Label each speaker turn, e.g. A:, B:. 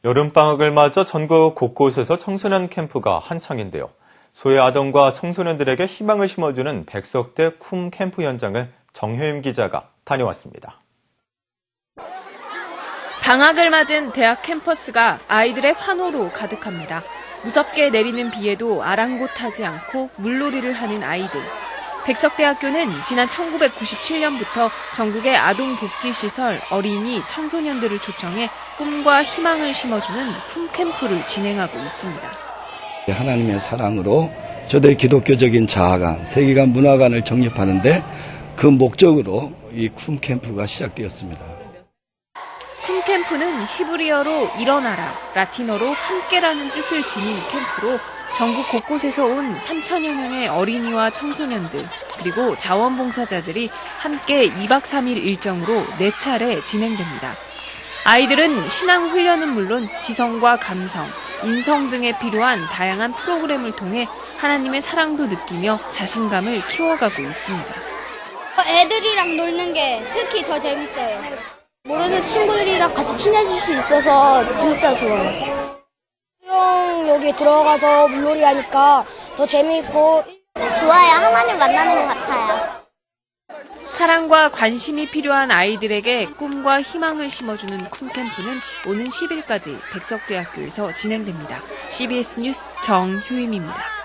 A: 여름방학을 맞아 전국 곳곳에서 청소년 캠프가 한창인데요. 소외 아동과 청소년들에게 희망을 심어주는 백석대 쿰 캠프 현장을 정효임 기자가 다녀왔습니다.
B: 방학을 맞은 대학 캠퍼스가 아이들의 환호로 가득합니다. 무섭게 내리는 비에도 아랑곳하지 않고 물놀이를 하는 아이들. 백석대학교는 지난 1997년부터 전국의 아동복지시설, 어린이, 청소년들을 초청해 꿈과 희망을 심어주는 쿰 캠프를 진행하고 있습니다.
C: 하나님의 사랑으로 저들의 기독교적인 자아관, 세계관, 문화관을 정립하는데 그 목적으로 이 쿰 캠프가 시작되었습니다.
B: 쿰 캠프는 히브리어로 일어나라, 라틴어로 함께라는 뜻을 지닌 캠프로 전국 곳곳에서 온 3천여 명의 어린이와 청소년들, 그리고 자원봉사자들이 함께 2박 3일 일정으로 4차례 진행됩니다. 아이들은 신앙 훈련은 물론 지성과 감성, 인성 등에 필요한 다양한 프로그램을 통해 하나님의 사랑도 느끼며 자신감을 키워가고 있습니다.
D: 애들이랑 놀는 게 특히 더 재밌어요.
E: 모르는 친구들이랑 같이 친해질 수 있어서 진짜 좋아요. 여기 들어가서 물놀이 하니까 더 재미있고
D: 좋아요. 하나님 만나는 것 같아요.
B: 사랑과 관심이 필요한 아이들에게 꿈과 희망을 심어주는 쿰 캠프는 오는 10일까지 백석대학교에서 진행됩니다. CBS 뉴스 정효임입니다.